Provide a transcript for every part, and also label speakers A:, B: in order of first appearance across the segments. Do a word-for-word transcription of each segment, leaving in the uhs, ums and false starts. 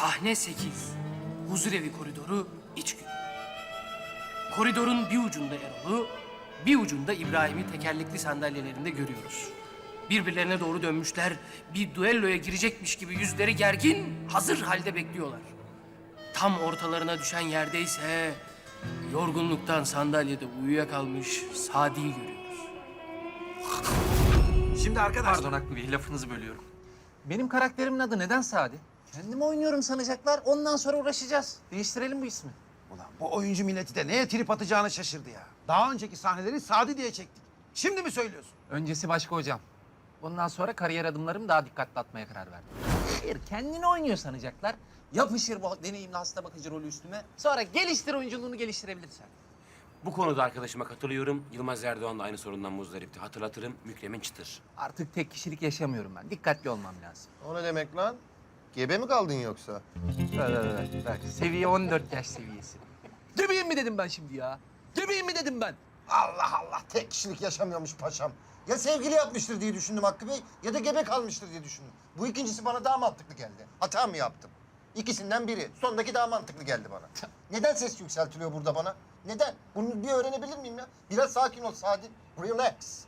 A: Sahne sekiz. Huzurevi koridoru iç gün. Koridorun bir ucunda Erol'u, bir ucunda İbrahim'i tekerlekli sandalyelerinde görüyoruz. Birbirlerine doğru dönmüşler, bir düelloya girecekmiş gibi yüzleri gergin, hazır halde bekliyorlar. Tam ortalarına düşen yerdeyse yorgunluktan sandalyede uyuyakalmış Sadi'yi görüyoruz.
B: Şimdi arkadaşlar...
C: Pardon Hakkı Bey, lafınızı bölüyorum.
D: Benim karakterimin adı neden Sadi? Kendimi oynuyorum sanacaklar. Ondan sonra uğraşacağız. Değiştirelim bu ismi.
B: Ulan bu oyuncu milleti de neye trip atacağını şaşırdı ya. Daha önceki sahneleri Sadi diye çektik. Şimdi mi söylüyorsun?
D: Öncesi başka hocam. Bundan sonra kariyer adımlarımı daha dikkatli atmaya karar verdim. Hayır, kendini oynuyor sanacaklar. Yapışır bu deneyimli hasta bakıcı rolü üstüme. Sonra geliştir oyunculuğunu geliştirebilirsen.
E: Bu konuda arkadaşıma katılıyorum. Yılmaz Erdoğan da aynı sorundan muzdaripti. Hatırlatırım, Mükremin Çıtır.
D: Artık tek kişilik yaşamıyorum ben. Dikkatli olmam lazım.
F: O ne demek lan? Gebe mi kaldın yoksa?
D: Bak, bak, bak. Seviye on dört yaş seviyesi. Gebeyim mi dedim ben şimdi ya? Gebeyim mi dedim ben?
F: Allah Allah, tek kişilik yaşamıyormuş paşam. Ya sevgili yapmıştır diye düşündüm Hakkı Bey ya da gebe kalmıştır diye düşündüm. Bu ikincisi bana daha mantıklı geldi. Hata mı yaptım? İkisinden biri. Sondaki daha mantıklı geldi bana. Neden ses yükseltiliyor burada bana? Neden? Bunu bir öğrenebilir miyim ya? Biraz sakin ol Sadi. Relax.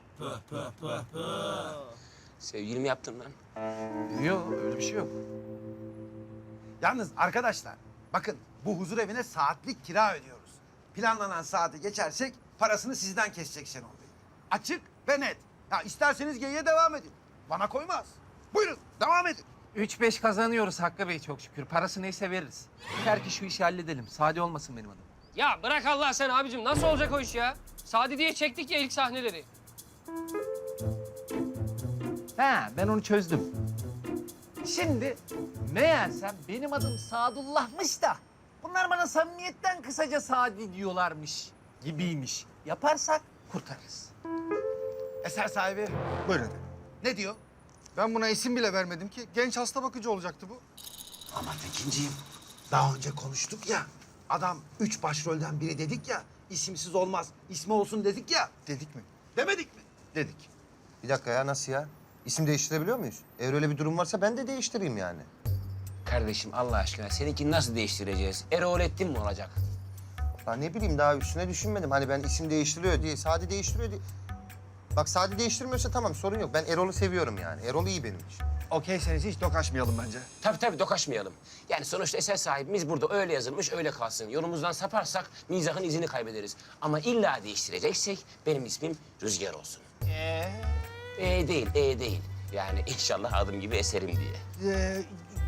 E: Sevgili mi yaptın lan?
D: Yok, öyle bir şey yok.
B: Yalnız arkadaşlar bakın bu huzur evine saatlik kira ödüyoruz. Planlanan saati geçersek parasını sizden kesecek Şenol Bey. Açık ve net. Ya isterseniz geyiğe devam edin. Bana koymaz. Buyurun devam edin.
D: Üç beş kazanıyoruz Hakkı Bey çok şükür. Parası neyse veririz. Yeter ki şu işi halledelim. Sadi olmasın benim adım.
A: Ya bırak Allah sen abicim. Nasıl olacak o iş ya? Sadi diye çektik ya ilk sahneleri.
D: Ha, ben onu çözdüm. Şimdi meğersem benim adım Sadullah'mış da bunlar bana samimiyetten kısaca Sadi diyorlarmış gibiymiş. Yaparsak kurtarırız.
B: Eser sahibi
G: Buyurun efendim.
B: ne diyor?
G: Ben buna isim bile vermedim ki. Genç hasta bakıcı olacaktı bu.
B: Ama Tekinciğim daha önce konuştuk ya. Adam üç başrolden biri dedik ya. İsimsiz olmaz, ismi olsun dedik ya.
G: Dedik mi?
B: Demedik mi?
G: Dedik.
F: Bir dakika ya, nasıl ya? İsim değiştirebiliyor muyuz? Eğer öyle bir durum varsa ben de değiştireyim yani.
E: Kardeşim Allah aşkına seninkini nasıl değiştireceğiz? Erolettin mi olacak?
F: Lan ne bileyim, daha üstüne düşünmedim. Hani ben isim değiştiriyor diye, Sadi değiştiriyor diye. Bak Sadi değiştirmiyorsa tamam, sorun yok. Ben Erol'u seviyorum yani. Erol iyi benim için.
G: Okeyseniz hiç dokaşmayalım bence.
E: Tabii tabii dokaşmayalım. Yani sonuçta eser sahibimiz burada öyle yazılmış, öyle kalsın. Yolumuzdan saparsak mizahın izini kaybederiz. Ama illa değiştireceksek benim ismim Rüzgar olsun. Ee? E değil, e değil. Yani inşallah adım gibi eserim diye.
G: Ee,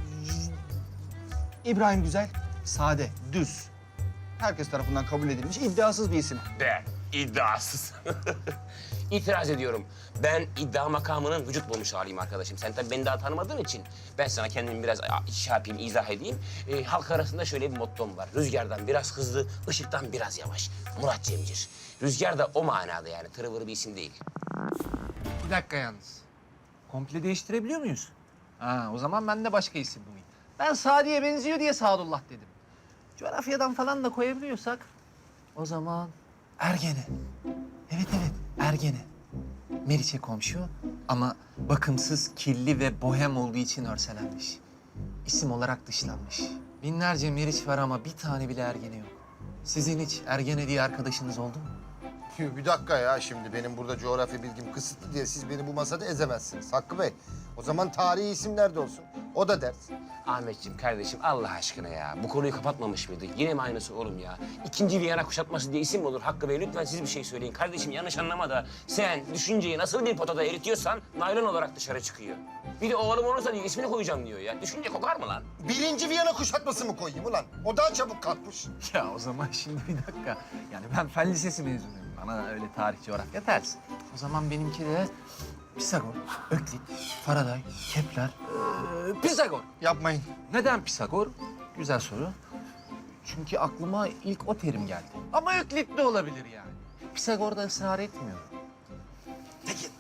G: İbrahim Güzel, sade, düz. Herkes tarafından kabul edilmiş iddiasız bir isim.
E: Be, iddiasız. İtiraz ediyorum. Ben iddia makamının vücut bulmuş haliyim arkadaşım. Sen tabii beni daha tanımadığın için ben sana kendimi biraz şey yapayım, izah edeyim. Ee, halk arasında şöyle bir mottom var. Rüzgardan biraz hızlı, ışıktan biraz yavaş. Murat Cemcir. Rüzgar da o manada yani. Tırıvırı bir isim değil.
D: Bir dakika yalnız. Komple değiştirebiliyor muyuz? Ha, o zaman ben de başka isim bulayım. Ben Sadi'ye benziyor diye Sadullah dedim. Coğrafyadan falan da koyabiliyorsak o zaman Ergene. Evet evet Ergene. Meriç'e komşu ama bakımsız, kirli ve bohem olduğu için örselenmiş. İsim olarak dışlanmış. Binlerce Meriç var ama bir tane bile Ergene yok. Sizin hiç Ergene diye arkadaşınız oldu mu?
F: Bir dakika ya, şimdi benim burada coğrafya bilgim kısıtlı diye siz beni bu masada ezemezsiniz Hakkı Bey. O zaman tarihi isimler de olsun. O da ders.
E: Ahmetciğim kardeşim Allah aşkına ya. Bu konuyu kapatmamış mıydık? Yine mi aynısı oğlum ya? İkinci Viyana kuşatması diye isim mi olur Hakkı Bey? Lütfen siz bir şey söyleyin. Kardeşim yanlış anlama da sen düşünceyi nasıl bir potada eritiyorsan naylon olarak dışarı çıkıyor. Bir de oğlum olursa diye ismini koyacağım diyor ya. Düşünce kokar mı lan?
F: Birinci Viyana kuşatması mı koyayım ulan? O daha çabuk kalkmış.
D: Ya o zaman şimdi bir dakika. Yani ben fen lisesi mezunuyum. Bana öyle tarih, coğrafya ters. O zaman benimki de Pisagor, Öklit, Faraday, Kepler, ee, Pisagor.
G: Yapmayın.
D: Neden Pisagor? Güzel soru. Çünkü aklıma ilk o terim geldi. Ama Öklit de olabilir yani. Pisagor da ısrar etmiyor.
B: Tekin.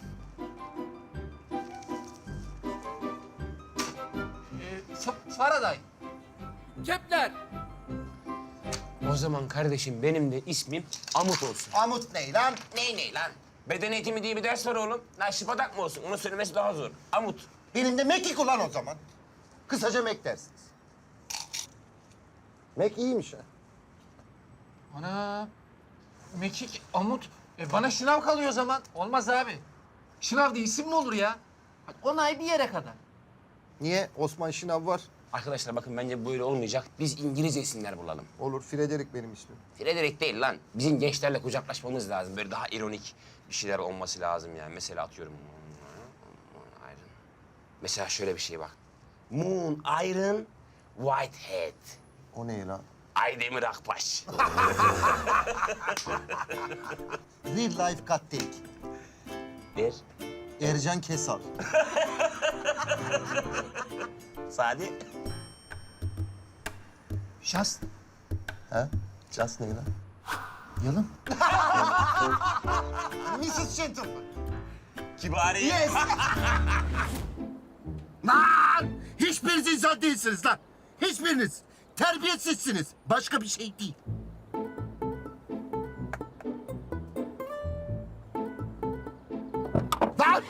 D: Ee, Fa- Faraday.
A: Kepler.
E: O zaman kardeşim benim de ismim Amut olsun.
F: Amut ne lan?
E: Ney ney lan? Beden eğitimi diye bir ders var oğlum. Naşipadak mı olsun? Onu söylemesi daha zor. Amut.
F: Benim de mekik ulan o zaman. Kısaca mek dersiniz. Mac iyiymiş ha.
D: Ana. Mekik, Amut. E bana şınav kalıyor o zaman. Olmaz abi. Şınav diye isim mi olur ya? Bak, onay bir yere kadar.
F: Niye? Osman Şınav var.
E: Arkadaşlar bakın bence böyle olmayacak. Biz İngilizce isimler bulalım.
F: Olur, Frederick benim ismim.
E: Frederick değil lan. Bizim gençlerle kucaklaşmamız lazım. Böyle daha ironik bir şeyler olması lazım yani. Mesela atıyorum. Moon Iron. Mesela şöyle bir şey bak. Moon Iron Whitehead.
F: O ne lan?
E: Aydemir Akbaş.
F: Real life cut take.
E: Bir.
F: Ercan Kesal.
E: Sadi.
D: Şans.
F: Ha? Just ne lan? Yalın. missus Gentleman.
E: Kibari.
F: Yes.
C: Lan! Hiçbiriniz insan değilsiniz lan. Hiçbiriniz. Terbiyesizsiniz. Başka bir şey değil. Lan!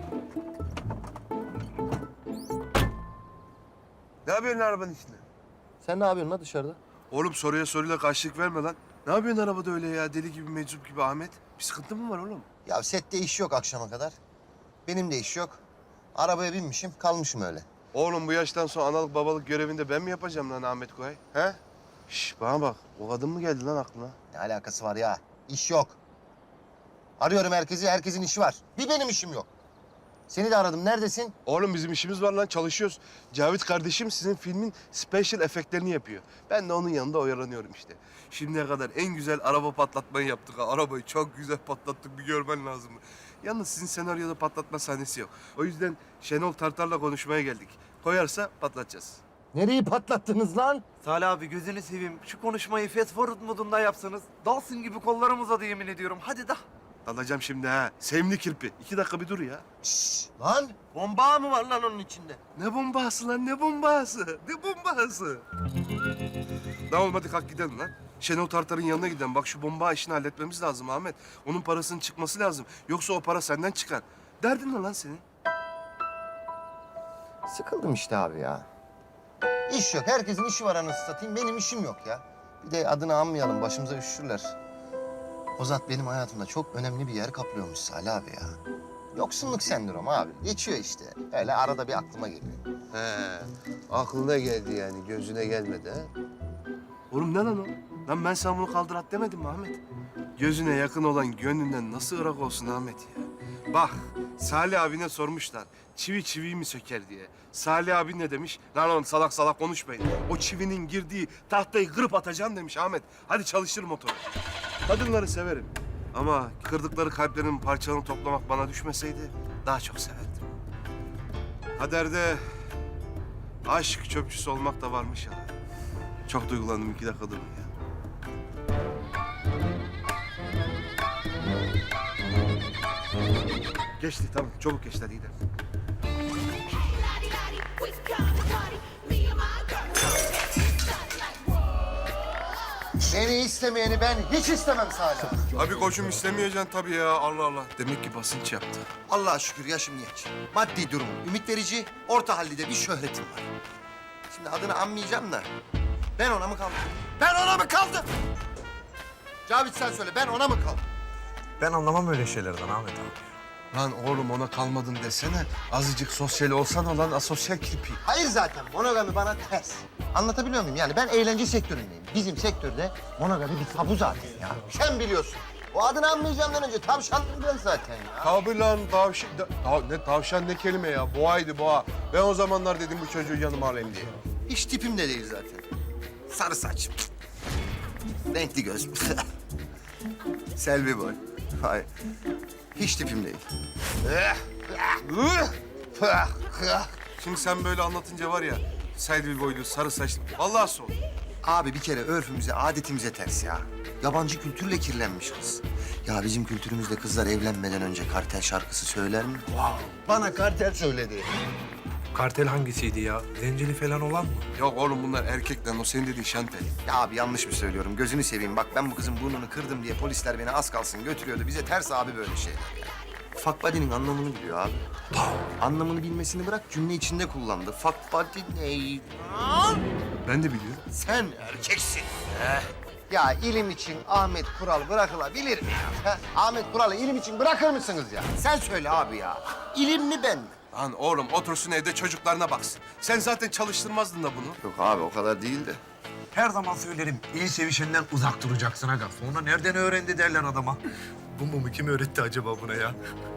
H: Ne yapıyorsun arabanın içinde?
F: Sen ne yapıyorsun lan dışarıda?
H: Oğlum soruya soruyla karşılık verme lan. Ne yapıyorsun arabada öyle ya? Deli gibi, meczup gibi Ahmet. Bir sıkıntı mı var oğlum?
F: Ya sette iş yok akşama kadar. Benim de iş yok. Arabaya binmişim, kalmışım öyle.
H: Oğlum bu yaştan sonra analık babalık görevinde ben mi yapacağım lan Ahmet Koray? He? Şş bana bak. O kadın mı geldi lan aklına?
F: Ne alakası var ya? İş yok. Arıyorum herkesi, herkesin işi var. Bir benim işim yok. Seni de aradım, neredesin?
H: Oğlum bizim işimiz var lan, çalışıyoruz. Cavit kardeşim sizin filmin special efektlerini yapıyor. Ben de onun yanında oyalanıyorum işte. Şimdiye kadar en güzel araba patlatmayı yaptık ha. Arabayı çok güzel patlattık, bir görmen lazım. Yalnız sizin senaryoda patlatma sahnesi yok. O yüzden Şenol Tartar'la konuşmaya geldik. Koyarsa patlatacağız.
F: Nereyi patlattınız lan?
I: Salih abi gözünü seveyim. Şu konuşmayı fast forward modunda yapsanız. Dalsın gibi kollarım uzadı yemin ediyorum. Hadi da.
H: Dalacağım şimdi ha. Sevimli kirpi. İki dakika bir dur ya.
F: Şşş, lan!
C: Bomba mı var lan onun içinde?
H: Ne bombası lan, ne bombası? Ne bombası? Lan olmadı, kalk gidelim lan. Şenol Tartar'ın yanına gidelim. Bak şu bomba işini halletmemiz lazım Ahmet. Onun parasının çıkması lazım. Yoksa o para senden çıkar. Derdin ne lan senin?
F: Sıkıldım işte abi ya. İş yok, herkesin işi var anasını satayım. Benim işim yok ya. Bir de adını anmayalım, başımıza üşüşürler. O zat benim hayatımda çok önemli bir yer kaplıyormuş Salih abi ya. Yoksunluk sendromu abi. Geçiyor işte. Öyle arada bir aklıma geliyor.
H: He, aklına geldi yani, gözüne gelmedi ha? Oğlum ne lan o? Lan ben sana bunu kaldır at demedim mi Ahmet? Gözüne yakın olan gönlünden nasıl ırak olsun Ahmet ya? Bak, Salih abine sormuşlar. Çivi çiviyi mi söker diye. Salih abi ne demiş? Lan oğlum salak salak konuşmayın. O çivinin girdiği tahtayı kırıp atacaksın demiş Ahmet. Hadi çalıştır motoru. Kadınları severim. Ama kırdıkları kalplerin parçalarını toplamak bana düşmeseydi daha çok severdim. Kaderde aşk çöpçüsü olmak da varmış ya. Çok duygulandım, iki dakika durun ya. Geçti tamam, çabuk geçti, hadi gidelim.
F: Beni istemeyeni ben hiç istemem Salih abi.
H: Abi koçum istemeyeceksin tabii ya, Allah Allah. Demek ki basınç yaptı.
F: Allah'a şükür yaşım genç. Maddi durumum ümit verici, orta hallide bir şöhretim var. Şimdi adını anmayacağım da ben ona mı kaldım? Ben ona mı kaldım? Cavit sen söyle, ben ona mı kaldım?
I: Ben anlamam öyle şeylerden Ahmet abi.
H: Lan oğlum ona kalmadın desene. Azıcık sosyal olsan lan, asosyal kirpi.
F: Hayır zaten, monogami bana ters. Anlatabiliyor muyum? Yani ben eğlence sektöründeyim. Bizim sektörde monogami bir tabu zaten ya. Sen biliyorsun. O adını anmayacağımdan önce tavşandım ben zaten ya.
H: Tabii lan tavşan, ta- ne tavşan ne kelime ya, boğaydı boğa. Ben o zamanlar dedim bu çocuğu yanıma alayım diye.
F: Hiç tipim de değil zaten. Sarı saç. Renkli göz. Selvi boy. Hayır. Hiç tipim değil.
H: Şimdi sen böyle anlatınca var ya, Selvi boylu, sarı saçlı, vallahi sol.
F: Abi bir kere örfümüze, adetimize ters ya. Yabancı kültürle kirlenmiş kız. Ya bizim kültürümüzde kızlar evlenmeden önce kartel şarkısı söyler mi? Bana kartel söyledi.
I: Kartel hangisiydi ya? Zenceli falan olan mı?
H: Yok oğlum bunlar erkekler, o senin dediğin şantel.
F: Ya abi yanlış mı söylüyorum? Gözünü seveyim. Bak ben bu kızın burnunu kırdım diye polisler beni az kalsın götürüyordu. Bize ters abi böyle şeyler ya. Fuck buddy'nin anlamını biliyor abi. Anlamını bilmesini bırak, cümle içinde kullandı. Fuck buddy ne?
H: Ben de biliyorum.
C: Sen erkeksin.
F: Ya ilim için Ahmet Kural bırakılabilir mi ya? Ha? Ahmet Kural'ı ilim için bırakır mısınız ya? Sen söyle abi ya. İlim mi ben mi?
H: Lan oğlum otursun evde çocuklarına baksın. Sen zaten çalıştırmazdın da bunu.
C: Yok abi o kadar değil de.
I: Her zaman söylerim, iyi sevişenden uzak duracaksın aga. Sonra nereden öğrendi derler adama.
C: Bu mumu kim öğretti acaba buna ya?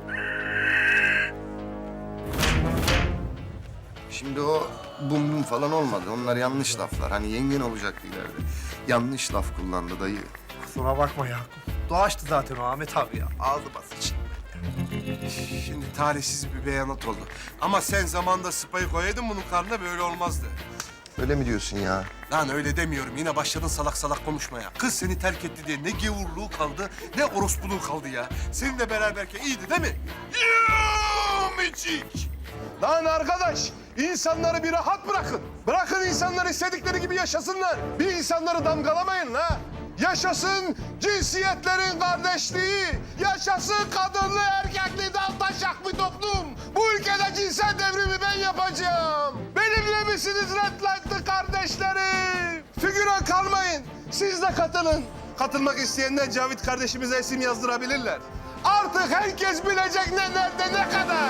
C: Şimdi o bum bum falan olmadı. Onlar yanlış laflar. Hani yengen olacaktı ileride. Yanlış laf kullandı dayı.
I: Kusura bakma ya. Doğaçtı zaten o Ahmet abi ya. Ağzı basıcı.
H: Şimdi talihsiz bir beyanat oldu. Ama sen zamanında sıpayı koyaydın bunun karnına böyle olmazdı.
C: Öyle mi diyorsun ya?
H: Lan öyle demiyorum. Yine başladın salak salak konuşmaya. Kız seni terk etti diye ne gevurluğu kaldı ne orospuluğu kaldı ya. Seninle beraberken iyiydi değil mi? Yumicik! Lan arkadaş, insanları bir rahat bırakın. Bırakın insanlar istedikleri gibi yaşasınlar. Bir insanları damgalamayın la. Yaşasın cinsiyetlerin kardeşliği. Yaşasın kadınlı erkekli dal taşak bir toplum. Bu ülkede cinsel devrimi ben yapacağım. Benimle misiniz Red Light'lı kardeşlerim? Figüran kalmayın. Siz de katılın. Katılmak isteyenler Cavit kardeşimize isim yazdırabilirler. Artık herkes bilecek ne nerede ne kadar.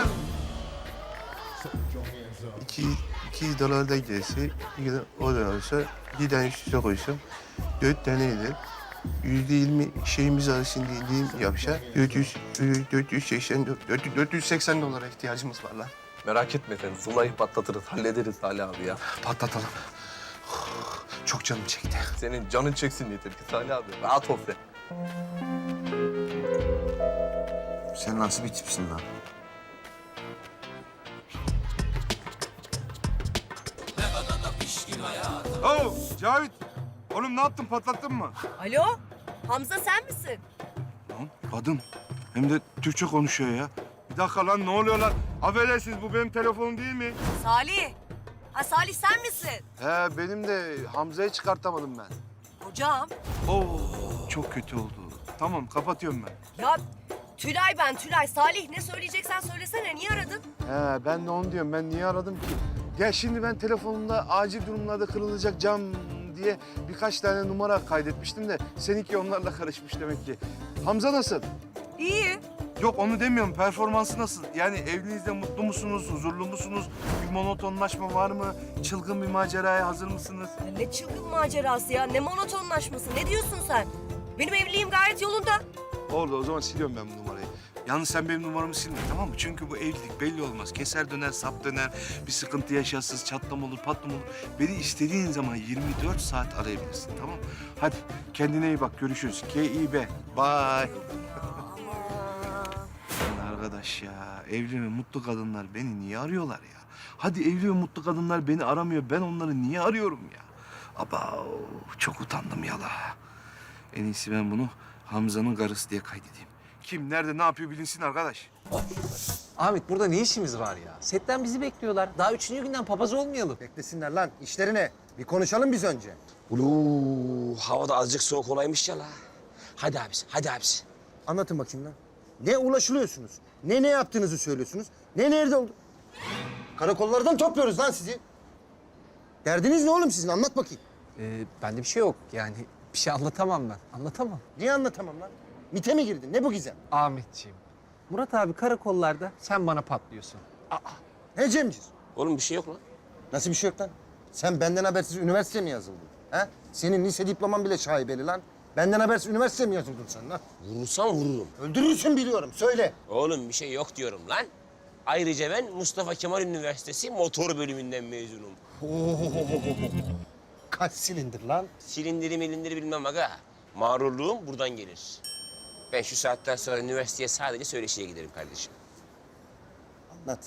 J: İki, iki dolar da gelse, iki de o da olsa bir tane üst üste koysam dört tane eder. Yüzde yirmi şeyimiz arasında indiğim yapsa dört yüz, dört yüz seksen, dört yüz seksen dolara ihtiyacımız var lan.
K: Merak etme sen. Zula'yı patlatırız, hallederiz Salih abi ya.
H: Patlatalım. Çok canım çekti.
K: Senin canın çeksin yeter ki Salih abi. Rahat ol sen.
C: Sen nasıl bir tipsin lan?
H: Oh Cavit. Oğlum ne yaptın patlattın mı?
L: Alo, Hamza sen misin?
H: Lan kadın. Hem de Türkçe konuşuyor ya. Bir dakika lan ne oluyor lan? Affedersiniz bu benim telefonum değil mi?
L: Salih. Ha Salih sen misin?
H: He benim de Hamza'yı çıkartamadım ben.
L: Hocam.
H: Oo çok kötü oldu. Tamam kapatıyorum ben.
L: Ya Tülay ben Tülay. Salih ne söyleyeceksen söylesene. Niye aradın?
H: He ben de onu diyorum. Ben niye aradım ki? Ya şimdi ben telefonumda acil durumlarda kırılacak cam diye birkaç tane numara kaydetmiştim de seninki onlarla karışmış demek ki. Hamza nasıl?
L: İyi.
H: Yok onu demiyorum. Performansı nasıl? Yani evliliğinizde mutlu musunuz? Huzurlu musunuz? Bir monotonlaşma var mı? Çılgın bir maceraya hazır mısınız?
L: Ya ne çılgın macerası ya. Ne monotonlaşması. Ne diyorsun sen? Benim evliliğim gayet yolunda.
H: Orada o zaman siliyorum ben bu numarayı. Yalnız sen benim numaramı silme tamam mı? Çünkü bu evlilik belli olmaz. Keser döner, sap döner. Bir sıkıntı yaşarsınız, çatlama olur, patlama olur. Beni istediğin zaman yirmi dört saat arayabilirsin tamam mı? Hadi kendine iyi bak görüşürüz. K I B. Bye. Lan arkadaş ya evli ve mutlu kadınlar beni niye arıyorlar ya? Hadi evli ve mutlu kadınlar beni aramıyor. Ben onları niye arıyorum ya? Aba çok utandım yala. En iyisi ben bunu Hamza'nın karısı diye kaydedeyim. Kim, nerede, ne yapıyor bilinsin arkadaş.
D: Ahmet burada ne işimiz var ya? Setten bizi bekliyorlar. Daha üçüncü günden papaz olmayalım.
F: Beklesinler lan. İşleri ne? Bir konuşalım biz önce.
E: Ulu hava da azıcık soğuk olaymış ya la. Hadi abisi, hadi abisi.
F: Anlatın bakayım lan. Ne ulaşılıyorsunuz? Ne ne yaptığınızı söylüyorsunuz? Ne nerede oldu? Karakollardan topluyoruz lan sizi. Derdiniz ne oğlum sizin? Anlat bakayım.
D: Ee, bende bir şey yok. Yani bir şey anlatamam ben. Anlatamam.
F: Niye anlatamam lan? MİT'e mi girdin? Ne bu gizem?
D: Ahmetciğim. Murat abi karakollarda sen bana patlıyorsun.
F: He Cemciz?
E: Oğlum bir şey yok lan.
F: Nasıl bir şey yok lan? Sen benden habersiz üniversiteye mi yazıldın? Ha? Senin lise diploman bile şaibeli lan. Benden habersiz üniversiteye mi yazıldın sen lan?
E: Vurursam vururum.
F: Öldürürsün biliyorum. Söyle.
E: Oğlum bir şey yok diyorum lan. Ayrıca ben Mustafa Kemal Üniversitesi motor bölümünden mezunum.
F: Kaç silindir lan?
E: Silindiri milindiri bilmem aga. Mağrurluğum buradan gelir. Ben şu saatten sonra üniversiteye sadece söyleşiye giderim kardeşim.
F: Anlat.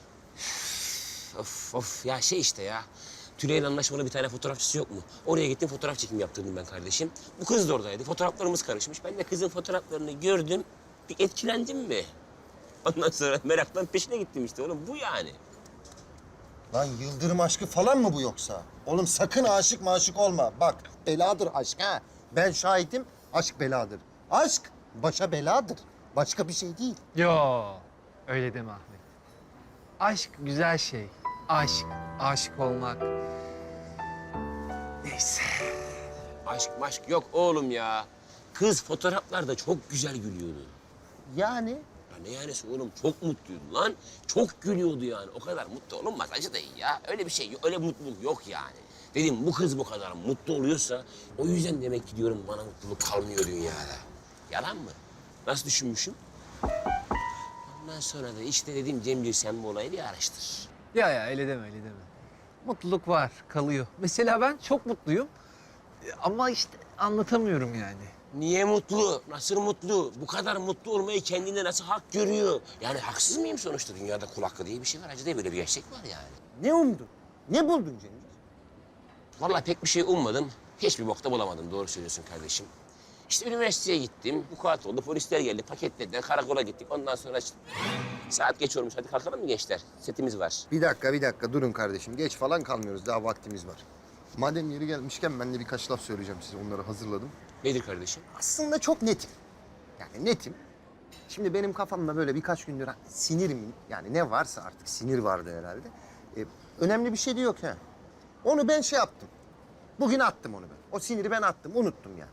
E: Of of ya şey işte ya. Tülay'ın anlaşmalı bir tane fotoğrafçısı yok mu? Oraya gittim fotoğraf çekimi yaptırdım ben kardeşim. Bu kız da oradaydı. Fotoğraflarımız karışmış. Ben de kızın fotoğraflarını gördüm. Bir etkilendim mi? Ondan sonra meraktan peşine gittim işte oğlum. Bu yani.
F: Lan yıldırım aşkı falan mı bu yoksa? Oğlum sakın aşık maşık olma. Bak beladır aşk ha. Ben şahidim aşk beladır. Aşk başa beladır. Başka bir şey değil.
D: Yo, öyle deme Ahmet. Aşk güzel şey. Aşk, aşık olmak. Neyse.
E: Aşk maşk yok oğlum ya. Kız fotoğraflarda çok güzel gülüyordu.
F: Yani
E: Ya ne yanisi oğlum, çok mutluydu lan. Çok gülüyordu yani. O kadar mutlu olunmaz Hacı dayı ya. Öyle bir şey yok, öyle mutluluk yok yani. Dedim bu kız bu kadar mutlu oluyorsa o yüzden demek ki diyorum bana mutluluk kalmıyor dünyada. Yalan mı? Nasıl düşünmüşüm? Ondan sonra da işte dedim Cemcir sen bu olayı bir araştır.
D: Ya ya öyle deme öyle deme. Mutluluk var, kalıyor. Mesela ben çok mutluyum. E, Ama işte anlatamıyorum yani.
E: Niye mutlu? Nasıl mutlu? Bu kadar mutlu olmayı kendinde nasıl hak görüyor? Yani haksız mıyım sonuçta? Dünyada kul hakkı diye bir şey var. Hacı dayı böyle bir gerçek var yani.
F: ne umdun? Ne buldun Cemil?
E: Vallahi pek bir şey ummadım. Hiçbir bokta bulamadım. Doğru söylüyorsun kardeşim. İşte üniversiteye gittim. Vukuat oldu. Polisler geldi. Paketlediler. Karakola gittik. Ondan sonra işte... Saat geç olmuş. Hadi kalkalım mı gençler? Setimiz var.
F: Bir dakika, bir dakika. Durun kardeşim. Geç falan kalmıyoruz. Daha vaktimiz var. Madem yeri gelmişken ben de birkaç laf söyleyeceğim size. Onları hazırladım.
E: Nedir kardeşim?
F: Aslında çok netim. Yani netim. Şimdi benim kafamda böyle birkaç gündür sinir mi, yani ne varsa artık sinir vardı herhalde. Ee, önemli bir şey de yok ha. Onu ben şey yaptım. Bugün attım onu ben. O siniri ben attım, unuttum yani.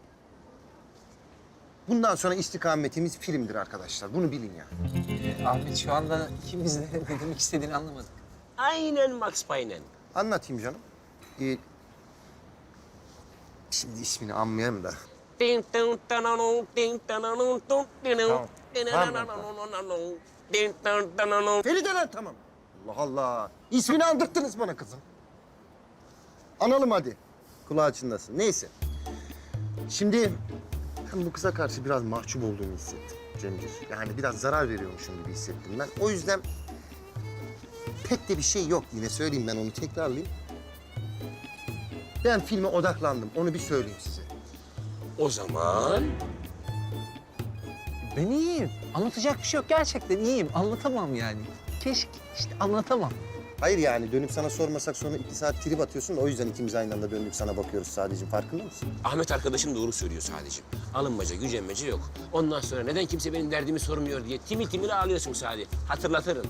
F: Bundan sonra istikametimiz filmdir arkadaşlar. Bunu bilin yani.
D: E, Ahmet şu anda ikimiz de ne demek istediğini anlamadık.
E: Aynen Max Payne'en.
F: Anlatayım canım. Ee, şimdi ismini anmayayım da.
E: Ding dong dananong, ding dananong, dong dinong,
F: Tamam.
E: dinananananananong, ding dong dananong.
F: Feride lan tamam. Allah Allah. İsmini andırttınız bana kızım. Analım hadi. Kulağı çınlasın. Neyse. Şimdi ben bu kıza karşı biraz mahcup olduğumu hissettim Cemcir. Yani biraz zarar veriyormuşum gibi hissettim ben. O yüzden pek de bir şey yok. Yine söyleyeyim, ben onu tekrarlayayım. Ben filme odaklandım. Onu bir söyleyeyim size.
E: O zaman
D: Ben iyiyim. Anlatacak bir şey yok. Gerçekten iyiyim. Anlatamam yani. Keşke işte anlatamam.
F: Hayır yani dönüp sana sormasak sonra iki saat trip atıyorsun da o yüzden ikimiz aynı anda döndük sana bakıyoruz sadece. Farkında mısın?
E: Ahmet arkadaşım doğru söylüyor sadece. Alınmaca, gücenmece yok. Ondan sonra neden kimse benim derdimi sormuyor diye timil timil ağlıyorsun sadece. Hatırlatırım.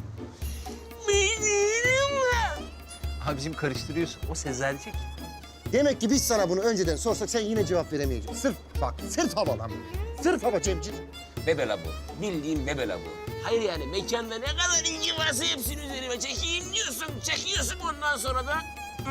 D: Abicim karıştırıyorsun. O Sezercik.
F: Demek ki biz sana bunu önceden sorsak sen yine cevap veremeyeceksin. Sırf bak, sırf hava lan bu. Sırf hava Cemcir.
E: Bebela bu. Bildiğin bebela bu. Hayır yani mekanda ne kadar ilgi varsa hepsini üzerime çekeyim diyorsun. Çekiyorsun ondan sonra da...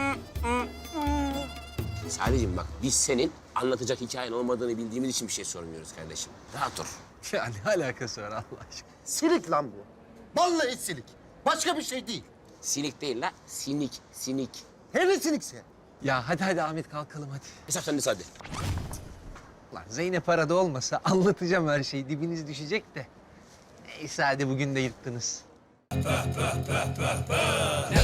E: Sadece bak biz senin anlatacak hikayen olmadığını bildiğimiz için bir şey sormuyoruz kardeşim. Rahat dur.
D: Ya ne alakası var Allah aşkına?
F: Silik lan bu. Vallahi silik. Başka bir şey değil.
E: Sinik değil la, sinik, sinik.
F: Her sinikse.
D: Ya hadi hadi Ahmet kalkalım hadi.
E: Hesap sende hadi.
D: Lan Zeynep arada olmasa anlatacağım her şeyi. Dibiniz düşecek de. Neyse hadi bugün de yırttınız.